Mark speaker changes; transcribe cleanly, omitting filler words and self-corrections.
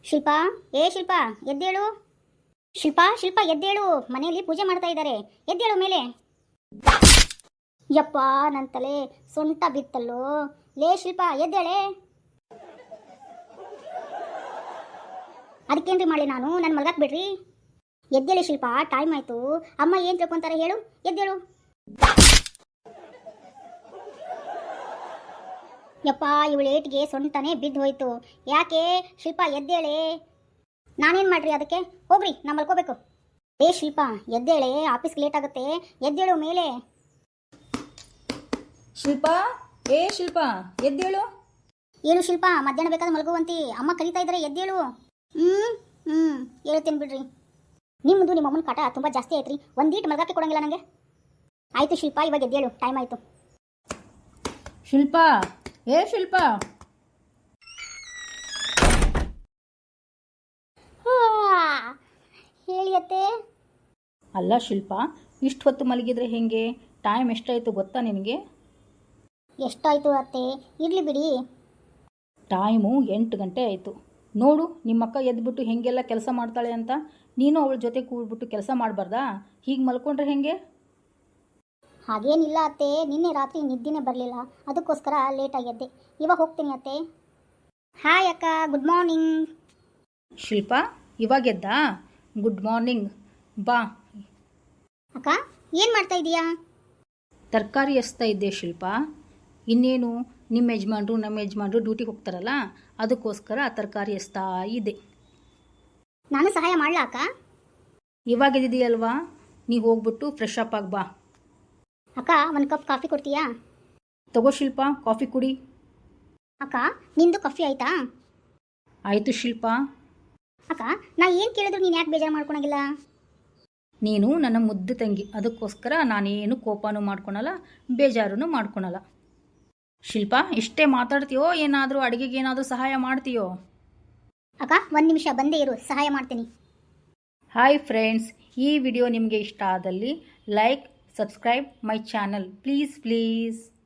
Speaker 1: ಶಿಲ್ಪಾ, ಏ ಶಿಲ್ಪಾ ಎದ್ದೇಳು. ಶಿಲ್ಪಾ ಶಿಲ್ಪಾ ಎದ್ದೇಳು, ಮನೆಯಲ್ಲಿ ಪೂಜೆ ಮಾಡ್ತಾ ಇದ್ದಾರೆ, ಎದ್ದೇಳು ಮೇಲೆ. ಯಪ್ಪ ನನ್ನ ತಲೆ ಸೊಂಟ ಬಿತ್ತಲ್ಲೋ. ಲೇ ಶಿಲ್ಪಾ ಎದ್ದೇಳೆ. ಅದಕ್ಕೇನ್ರಿ ಮಾಡಲಿ ನಾನು, ನನ್ನ ಮಲ್ಗಾಕ್ ಬಿಡ್ರಿ. ಎದ್ದೇಳಿ ಶಿಲ್ಪಾ, ಟೈಮ್ ಆಯ್ತು. ಅಮ್ಮ ಏನು ತಿಳ್ಕೊಂತಾರೆ ಹೇಳು, ಎದ್ದೇಳು. ಯಪ್ಪ ಇವಳು ಏಟ್ಗೆ ಸೊಂಟನೇ ಬಿದ್ದು ಹೋಯ್ತು. ಯಾಕೆ ಶಿಲ್ಪಾ ಎದ್ದೇಳೆ. ನಾನೇನು ಮಾಡ್ರಿ ಅದಕ್ಕೆ, ಹೋಗ್ರಿ ನಾ ಮಲ್ಕೋಬೇಕು. ಏ ಶಿಲ್ಪಾ ಎದ್ದೇಳೆ, ಆಫೀಸ್ಗೆ ಲೇಟ್ ಆಗುತ್ತೆ, ಎದ್ದೇಳು ಮೇಲೆ.
Speaker 2: ಶಿಲ್ಪಾ, ಏ ಶಿಲ್ಪಾ ಎದ್ದೇಳು.
Speaker 1: ಏನು ಶಿಲ್ಪಾ, ಮಧ್ಯಾಹ್ನ ಬೇಕಾದ್ರೆ ಮಲ್ಗೋವಂತಿ, ಅಮ್ಮ ಕರೀತಾ ಇದ್ದಾರೆ, ಎದ್ದೇಳು. ಹೇಳ್ತೀನಿ ಬಿಡ್ರಿ. ನಿಮ್ಮದು ನಿಮ್ಮ ಅಮ್ಮನ ಕಾಟ ತುಂಬ ಜಾಸ್ತಿ ಆಯ್ತು ರೀ, ಒಂದೀಟ್ ಮಲ್ಗಕ್ಕೆ ಕೊಡಂಗಿಲ್ಲ ನನಗೆ. ಆಯಿತು ಶಿಲ್ಪಾ, ಇವಾಗ ಎದ್ದೇಳು, ಟೈಮ್ ಆಯಿತು.
Speaker 2: ಶಿಲ್ಪಾ, ಏ ಶಿಲ್ಪಾ.
Speaker 1: ಹೇಳಿ ಅತ್ತೆ.
Speaker 2: ಅಲ್ಲ ಶಿಲ್ಪಾ, ಇಷ್ಟು ಹೊತ್ತು ಮಲಗಿದ್ರೆ ಹೆಂಗೆ? ಟೈಮ್ ಎಷ್ಟಾಯಿತು ಗೊತ್ತಾ ನಿನಗೆ?
Speaker 1: ಎಷ್ಟಾಯಿತು ಅತ್ತೆ, ಇರಲಿ ಬಿಡಿ.
Speaker 2: ಟೈಮು 8 ಗಂಟೆ ಆಯಿತು. ನೋಡು ನಿಮ್ಮಕ್ಕ ಎದ್ಬಿಟ್ಟು ಹೆಂಗೆಲ್ಲ ಕೆಲಸ ಮಾಡ್ತಾಳೆ ಅಂತ. ನೀನು ಅವಳ ಜೊತೆ ಕೂಡ್ಬಿಟ್ಟು ಕೆಲಸ ಮಾಡಬಾರ್ದಾ? ಹೀಗೆ ಮಲ್ಕೊಂಡ್ರೆ ಹೆಂಗೆ?
Speaker 1: ಹಾಗೇನಿಲ್ಲ ಅತ್ತೆ, ನಿನ್ನೆ ರಾತ್ರಿ ನಿದ್ದೆನೇ ಬರಲಿಲ್ಲ, ಅದಕ್ಕೋಸ್ಕರ ಲೇಟ್ ಆಗಿದ್ದೆ. ಇವಾಗ ಹೋಗ್ತೀನಿ ಅತ್ತೆ. ಹಾಯ್ ಅಕ್ಕ, ಗುಡ್ ಮಾರ್ನಿಂಗ್.
Speaker 2: ಶಿಲ್ಪಾ ಇವಾಗೆದ್ದಾ? Good morning. ಬಾ.
Speaker 1: ಅಕ್ಕ ಏನು ಮಾಡ್ತಾ ಇದೀಯಾ?
Speaker 2: ತರಕಾರಿ ಎಸ್ತಾ ಇದ್ದೆ ಶಿಲ್ಪಾ. ಇನ್ನೇನು, ನಿಮ್ಮ ಯಜಮಾನ್ರು ನಮ್ಮ ಯಜಮಾನ್ರು ಡ್ಯೂಟಿಗೆ ಹೋಗ್ತಾರಲ್ಲ, ಅದಕ್ಕೋಸ್ಕರ ತರಕಾರಿ ಎಸ್ತಾ ಇದೆ.
Speaker 1: ನಾನು ಸಹಾಯ ಮಾಡಲಾ ಅಕ್ಕ?
Speaker 2: ಇವಾಗಿದೆಯಲ್ವಾ, ನೀವು ಹೋಗ್ಬಿಟ್ಟು ಫ್ರೆಶ್ ಅಪ್ ಆಗಿ ಬಾ.
Speaker 1: ಅಕ್ಕ ಒಂದು ಕಪ್ ಕಾಫಿ ಕೊಡ್ತೀಯಾ?
Speaker 2: ತಗೋ ಶಿಲ್ಪಾ, ಕಾಫಿ ಕುಡಿ.
Speaker 1: ಅಕ್ಕ ನಿಂದು ಕಾಫಿ ಆಯ್ತಾ?
Speaker 2: ಆಯಿತು ಶಿಲ್ಪಾ.
Speaker 1: ಅಕ್ಕ ನಾ ಏನು ಕೇಳಿದ್ರು ನೀನು ಯಾಕೆ ಬೇಜಾರು ಮಾಡ್ಕೊಳಂಗಿಲ್ಲ?
Speaker 2: ನೀನು ನನ್ನ ಮುದ್ದು ತಂಗಿ, ಅದಕ್ಕೋಸ್ಕರ ನಾನೇನು ಕೋಪನೂ ಮಾಡ್ಕೊಳಲ್ಲ, ಬೇಜಾರೂ ಮಾಡ್ಕೊಳಲ್ಲ. ಶಿಲ್ಪಾ ಇಷ್ಟೇ ಮಾತಾಡ್ತೀಯೋ, ಏನಾದರೂ ಅಡುಗೆಗೆ ಏನಾದರೂ ಸಹಾಯ ಮಾಡ್ತೀಯೋ?
Speaker 1: ಅಕ್ಕ 1 ನಿಮಿಷ ಬಂದೇ ಇರು, ಸಹಾಯ ಮಾಡ್ತೀನಿ.
Speaker 2: ಹಾಯ್ ಫ್ರೆಂಡ್ಸ್, ಈ ವಿಡಿಯೋ ನಿಮಗೆ ಇಷ್ಟ ಆದಲ್ಲಿ like, subscribe my channel please.